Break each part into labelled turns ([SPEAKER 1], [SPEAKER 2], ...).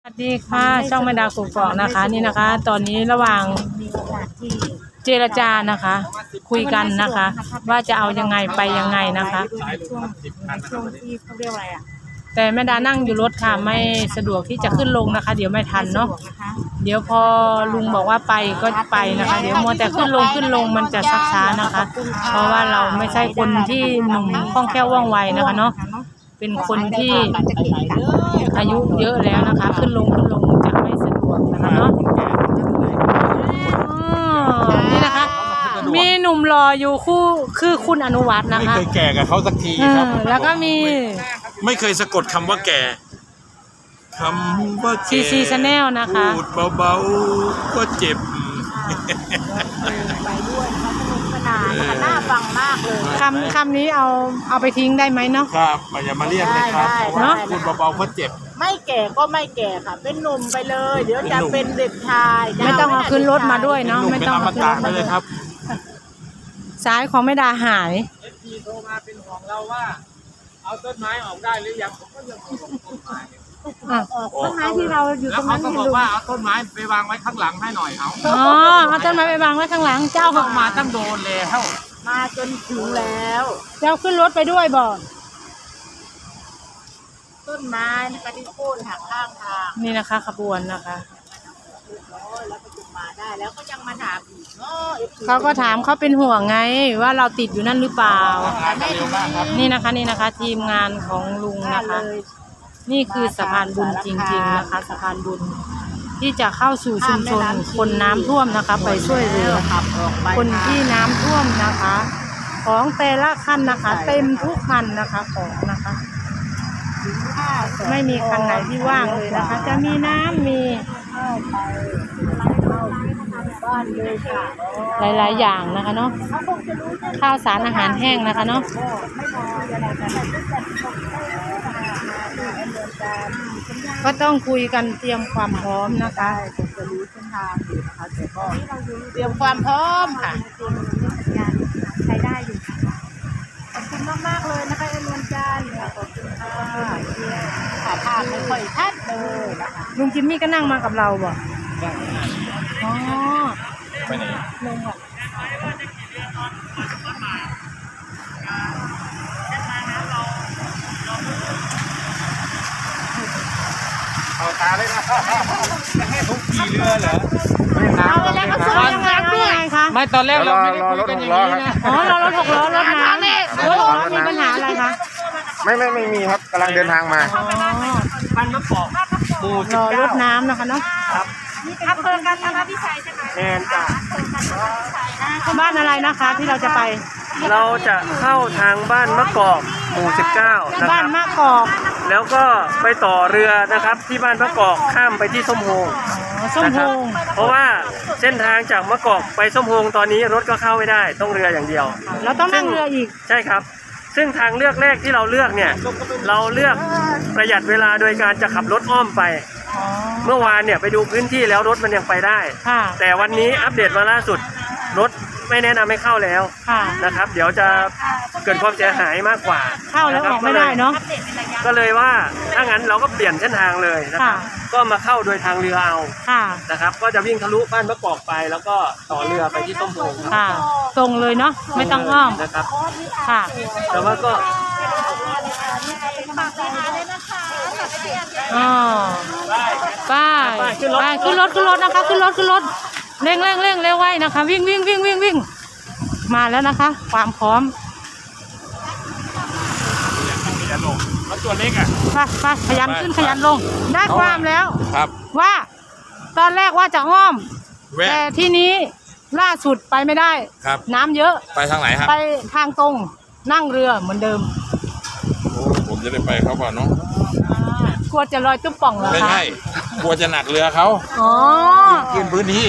[SPEAKER 1] สวัสดีค่ะช่องแม่ดาวกกอกนะคะนี่นะคะ ตอนนี้ระหว่างเจรจานะคะ คุยกันนะคะ ว่าจะเอายังไงไปยังไงนะคะช่วงที่เขาเรียกอะไรอ่ะแต่แม่ดานั่งอยู่รถค่ะไม่สะดวกที่จะขึ้นลงนะคะ เดี๋ยวไม่ทันเนาะเดี๋ยวพอลุงบอกว่าไปก็ไปนะคะ เดี๋ยวมัวแต่ขึ้นลงมันจะชักช้านะคะ เพราะว่าเราไม่ใช่คนที่หนุ่มคล่องแคล่วว่องไวนะคะเนาะเป็นคนที่อายุเยอะแล้วนะคะ ขึ้นลงจะไม่สะดวกนะคะเนาะนี่นะคะมีหนุ่มรออยู่คู่คือคุณอนุวัฒน์นะคะ
[SPEAKER 2] ไม่เคยแก่กับเขาสักทีครับ
[SPEAKER 1] แล้วก็มี
[SPEAKER 2] ไม่เคยสะกดคำว่าแก่คำว่าแก่
[SPEAKER 1] ซีชาแนลนะคะ
[SPEAKER 2] พูดเบาๆก็เจ็บ
[SPEAKER 3] ไปด้วยสนุกสนานค่ะน่าฟังมากเลย
[SPEAKER 1] คำนี้เอาไปทิ้งได้ไหมเนาะ
[SPEAKER 2] ครับอย่ามาเรียกเลยครับเนาะพูดเบาๆก็เจ็บ
[SPEAKER 3] ไม่แก่ก็ไม่แก่ค่ะเป็นหนุ่มไปเลยเดี๋ยวจะเป็นเด็กชาย
[SPEAKER 1] ไม่ต้องเอาขึ้นรถมาด้วยเนาะไม่ต้องเอาขึ้นรถ
[SPEAKER 2] มาเลยครับ
[SPEAKER 1] สายของแม่ดาหาย
[SPEAKER 4] FP โทรมาเป็นของเราว่าเอาต้นไม้ออกได้หรือยังผมก็ยังต้นไม้
[SPEAKER 1] ต้นไม้ที่เราอยู่ตรงนั้น
[SPEAKER 4] แล้วเขาก็บอกว่าเอาต้นไม้ไปวางไว้ข้างหลังให้หน่อย
[SPEAKER 1] เอาต้นไม้ไปวางไว้ข้างหลังเจ้า
[SPEAKER 4] มาตั้งโดนแล้ว
[SPEAKER 3] มาจนถึงแล้ว
[SPEAKER 1] เจ้าขึ้นรถไปด้วยบอก
[SPEAKER 3] ต้นไม้นะคะที่โค่นหักข้างทาง
[SPEAKER 1] นี่นะคะขบวนนะคะ
[SPEAKER 3] แล้วก็จุดมาได้แล้วก็ยังมาถามอีก
[SPEAKER 1] เขาก็ถามเขาเป็นห่วงไงว่าเราติดอยู่นั่นหรือเปล่านี่นะคะทีมงานของลุงนะคะนี่คือสะพานบุญจริงๆนะคะสะพานบุญที่จะเข้าสู่ชุมชนคนน้ำท่วมนะคะไปช่วยเหลือคนที่น้ำท่วมนะคะของแต่ละคันนะคะเต็มทุกคันนะคะของนะคะไม่มีคันไหนที่ว่างเลยนะคะจะมีน้ำมีหลายๆอย่างนะคะเนาะข้าวสารอาหารแห้งนะคะเนาะก็ต้องคุยกันเตรียมความพร้อมนะคะ
[SPEAKER 3] จะรู้เส้นทางอยู่นะคะแต่ก็เตรียมความพร้อมค่ะใช้ได้อยู่ขอบคุณมากๆเลยนะคะเอ็นวันจันทร์ขอบคุณค่ะขาพาไม่ค่อยชัดเลยนะคะ
[SPEAKER 1] ลุงจิมมี่ก็นั่งมากับเราบ่อ๋อ
[SPEAKER 2] ไปไหน
[SPEAKER 1] ลงค่ะ
[SPEAKER 2] เอาตาเลยนะให้ทุกขี่เรือเหรอ
[SPEAKER 1] เอาแล้วก็ซื้อยังไงคะ
[SPEAKER 4] ไม่ตอนแรกเราไม่ได้คุยกันอย่างนี้นะ
[SPEAKER 1] รถ6 ล้อรถน้ำมีปัญหาอะไรคะ
[SPEAKER 5] ไม่มีครับกำลังเดินทางมา
[SPEAKER 4] บ้านมะกอกหมู่
[SPEAKER 1] รถน้ำนะคะเนาะ
[SPEAKER 4] ครับ
[SPEAKER 3] อำเภอกันนะคะพี่ชัยใช่ไหม
[SPEAKER 4] แมนจ้ะ
[SPEAKER 1] บ้านอะไรนะคะที่เราจะไป
[SPEAKER 4] เราจะเข้าทางบ้านมะกอกหมู่19นะครับ
[SPEAKER 1] บ้านมะกอก
[SPEAKER 4] แล้วก็ไปต่อเรือนะครับที่บ้านมะกอกข้ามไปที่ส้มโฮง
[SPEAKER 1] ส้มโฮง
[SPEAKER 4] เพราะว่าเส้นทางจากมะกอกไปส้มโฮงตอนนี้รถก็เข้าไม่ได้ต้องเรืออย่างเดียว
[SPEAKER 1] เราต้องนั่งเรืออีก
[SPEAKER 4] ใช่ครับซึ่งทางเลือกแรกที่เราเลือกเนี่ยเราเลือกประหยัดเวลาโดยการจะขับรถอ้อมไปเมื่อวานเนี่ยไปดูพื้นที่แล้วรถมันยังไปได้แต่วันนี้อัปเดตมาล่าสุดรถไม่แนะนำให้เข้าแล้วนะครับเดี๋ยวจะเกิดความเสียหายมากกว่า
[SPEAKER 1] เข้าแล้วออกไม่ได้เนาะ
[SPEAKER 4] ก็เลยว่าถ้างั้นเราก็เปลี่ยนเส้นทางเลยนะครับก็มาเข้าโดยทางเรือเอานะครับก็จะวิ่งทะลุบ้านมะกอกไปแล้วก็ต่อเรือไปที่ส้มโฮง
[SPEAKER 1] ตรงเลยเนาะไม่ต้องอ้อม
[SPEAKER 4] นะครับ
[SPEAKER 1] ค่ะ
[SPEAKER 4] แต่ว่าก็
[SPEAKER 1] ไปขึ้นรถนะคะขึ้นรถเร่งเร็วไว้นะคะวิ่งมาแล้วนะคะความพร้อม
[SPEAKER 2] แล้วตัวเล็กอ่ะ
[SPEAKER 1] ไปขยันขึ้นขยันลงได้ความแล้ว
[SPEAKER 2] ครับ
[SPEAKER 1] ว่าตอนแรกว่าจะอ้อมแต่ที่นี้ล่าสุดไปไม่ได้
[SPEAKER 2] ครับ
[SPEAKER 1] น้ำเยอะ
[SPEAKER 2] ไปทางไหนครับ
[SPEAKER 1] ไปทางตรงนั่งเรือเหมือนเดิม
[SPEAKER 2] โอ้ผมจะได้ไปเขาก่อนเนาะ
[SPEAKER 1] กลัวจะลอยตุ้มป่องเหรอคะ
[SPEAKER 2] ไม่ใช่กลัวจะหนักเรือเขาขึ้นพื้นที่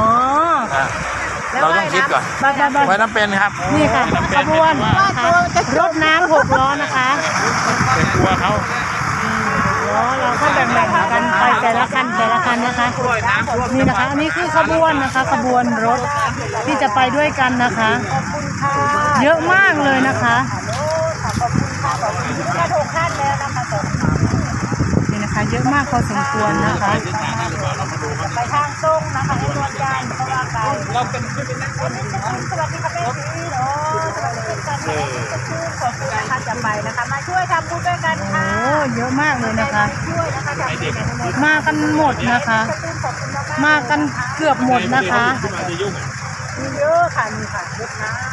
[SPEAKER 2] เราต้องคิดก่อนไว้น้ำเป็นครับ
[SPEAKER 1] นี่ค่ะขบวนรถน้ำ6 ล้อนะคะ
[SPEAKER 2] เป็นกลัวเขา
[SPEAKER 1] เราก็แบ่งกันไปแต่ละคันนะคะนี่นะคะนี่คือขบวนนะคะขบวนรถที่จะไปด้วยกันนะคะเยอะมากเลยนะคะนี่นะคะนะคะ เยอะมากพอสมควรนะคะ
[SPEAKER 3] ไปทางตรงนะคะให้รวมกันเพราะว่าไกลเราเป็นสวัสดีค่ะแม่ชีโอ้สวัสดีกันแม่ชีขอบคุณนะคะจะไปนะคะมาช่วยทำบุญด้วยกันค่ะ
[SPEAKER 1] โอ้เยอะมากเลยนะคะ
[SPEAKER 3] ช่วยนะคะจะไป
[SPEAKER 1] มากันหมดนะคะ มากันเกือบหมดนะคะ
[SPEAKER 3] มีเยอะค่ะมีค่ะรดน้ำ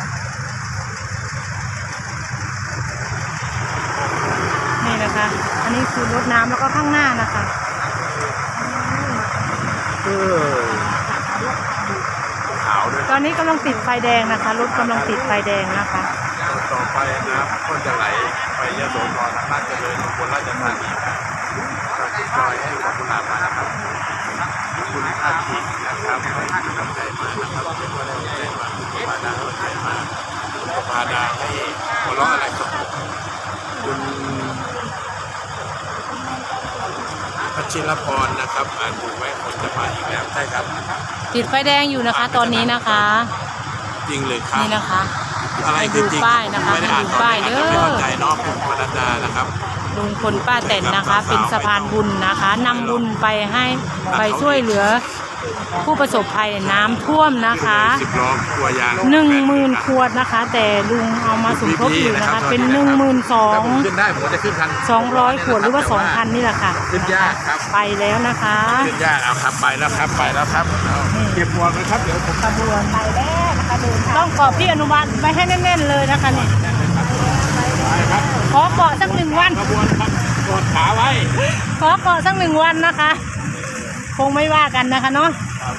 [SPEAKER 1] นี่นะคะ อันนี้คือรถน้ำแล้วก็ข้างหน้านะคะ
[SPEAKER 2] ขาวด้วย
[SPEAKER 1] ตอนนี้กำลังติดไฟแดงนะคะ รถกำลังติดไฟแดงนะคะ
[SPEAKER 2] ต่อไปน้ำก็จะไหลไปยโสธรราชเจริญอุบลราชธานีครับจอยให้กับคุณอามานะครับคุณอาทิตย์นะครับให้กำลังใจมานะครับเป็นวันแรกมาพาดาให้มาพาดาให้หัวเราะอะไรกับคุณพัชิรพรนะครับอ่านถูกไหมคนจะมาอีกแล้วใช่ครับ
[SPEAKER 1] ติดไฟแดงอยู่นะคะตอนนี้นะคะ
[SPEAKER 2] จริงเลยครับ
[SPEAKER 1] นี่นะคะ
[SPEAKER 2] อะไรคือจริง
[SPEAKER 1] ดูป้ายนะคะ
[SPEAKER 2] ไม่ได้อ่านตอนนี้อาจจะไม่เข้าใจเนอกคุณปนัดดานะครับ
[SPEAKER 1] ลุงพลป้าแตนนะคะ เป็นสะพานบุญนะคะนำบุญไปให้ไปช่วยเหลือ ผู้ประสบภัยน้ำท่วมนะคะ
[SPEAKER 2] 10 ล้อครัวยาง
[SPEAKER 1] 10,000 ขวดนะคะ แต่ลุงเอามาสมทบอยู่นะคะ เป็น
[SPEAKER 2] ถ้าผมขึ้นได้ผมจะขึ้นทัน
[SPEAKER 1] 12,200 ขวดหรือว่า 2,000 นี่แหละค่ะ
[SPEAKER 2] ขึ้นยากครับ
[SPEAKER 1] ไปแล้วนะคะ
[SPEAKER 2] ขึ้นยากเอาครับไปแล้วครับไปแล้วครับเก็บหมวกนะครับเดี๋ยวผม
[SPEAKER 1] ขบวน
[SPEAKER 3] ไปแล้วนะคะเดินทาง
[SPEAKER 1] ต้องกรอบพี่อนุบาลไว้ให้แน่นๆเลยนะคะนี่
[SPEAKER 2] ไปครับ
[SPEAKER 1] ขอเกาะสัก1 วัน
[SPEAKER 2] ขบวนครับกดขาไว้
[SPEAKER 1] ขอเกาะสัก1 วันนะคะ คงไม่ว่ากันนะคะเนาะ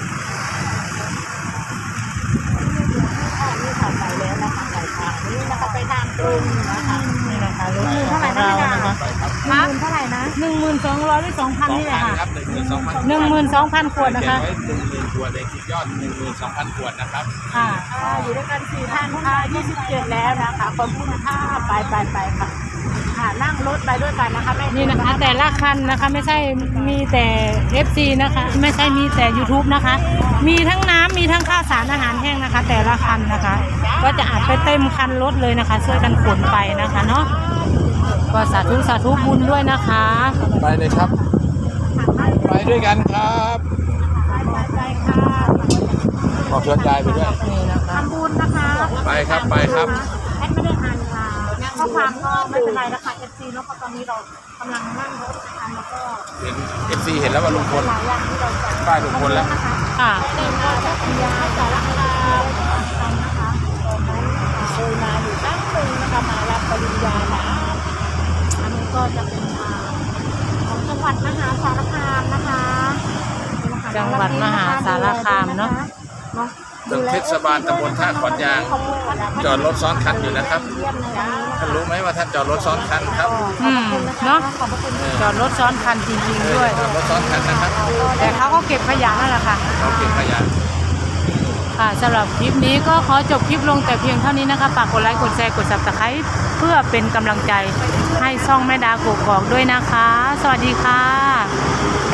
[SPEAKER 3] นี่ค่ะไปแล้วนะคะไปทางนี้นะคะไปทางตรงนะคะ
[SPEAKER 1] นี่นะคะรถ
[SPEAKER 3] เท่าไหร่
[SPEAKER 1] ของ
[SPEAKER 3] นะ
[SPEAKER 1] เรา
[SPEAKER 3] พี่ดา
[SPEAKER 1] นะคะ
[SPEAKER 3] เงินเท่าไหร่นะ
[SPEAKER 1] 12,200 หรือ 2,000 นี่แหละค่ะ
[SPEAKER 2] ครับ12,000
[SPEAKER 1] 12,000 ขวดนะคะ
[SPEAKER 2] ไว้10,000 ขวดเองยอด 12,000 ขวดนะครับ
[SPEAKER 1] ค่ะ
[SPEAKER 3] อยู่ด้วยกัน4 ท่านค่ะ27แล้วนะคะขอบคุณค่ะไปค่ะค่ะนั่งรถไปด้วยกันนะคะแม่
[SPEAKER 1] นี่นะคะ แต่ละคันนะคะไม่ใช่มีแต่ FC นะคะ ไม่ใช่มีแต่ YouTube นะคะ มีทั้งน้ำมีทั้งข้าวสารอาหารแห้งนะคะ แต่ละคันนะคะ ก็จะอัดไปเต็มคันรถเลยนะคะช่วยกันขนไปนะคะเนาะก็สาธุบุญด้วยนะคะ
[SPEAKER 2] ไปเลยครับ ไปด้วยกันครับ
[SPEAKER 3] ไปค่ะ
[SPEAKER 2] ขอเชิญยายไปด้วย
[SPEAKER 1] นี่นะคะ
[SPEAKER 3] ทำบุญนะคะ
[SPEAKER 2] ไปครับไปครับ
[SPEAKER 3] แอดไม่ได้อ่านค่ะข้อความก็ไม่เป็นไรนะคะ FC เนาะเพราะตอนนี้เรากำลังนั่งรถนะคะแล้วก็
[SPEAKER 2] เห็น FC เห็นแล้วว่าลุงพล
[SPEAKER 3] หลายอย่างที่เราจะ
[SPEAKER 2] ป้ายลุงพลแล้ว
[SPEAKER 1] ค่ะ
[SPEAKER 3] เป็นงานพัทยาสารคามนะคะตอนนั้นเคยมาอยู่ตั้งหนึ่งนะคะมารับปริญญานะอันนี้ก็จะเป็นของจังหวัดมหาสารคามนะคะ
[SPEAKER 1] จังหวัดมหาสารคามเนาะ
[SPEAKER 2] ตึกเทศบาลตำบลท่าขอนยาง จอดรถซ้อนคันอยู่นะครับ ท่านรู้ไหมว่าท่านจอดรถซ้อนคันครับ
[SPEAKER 1] เนาะ
[SPEAKER 3] ขอบคุณ
[SPEAKER 1] จอดรถซ้อนคันจริงๆด้วย
[SPEAKER 2] จอดรถซ้อนคันนะครับ
[SPEAKER 1] แต่เขาก็เก็บขยะนั่นแหละค่ะ
[SPEAKER 2] เราเก็บขยะ
[SPEAKER 1] ค่ะสำหรับคลิปนี้ก็ขอจบคลิปลงแต่เพียงเท่านี้นะคะฝากกดไลค์กดแชร์กด Subscribe เพื่อเป็นกำลังใจให้ช่องแม่ดากกอกด้วยนะคะ สวัสดีค่ะ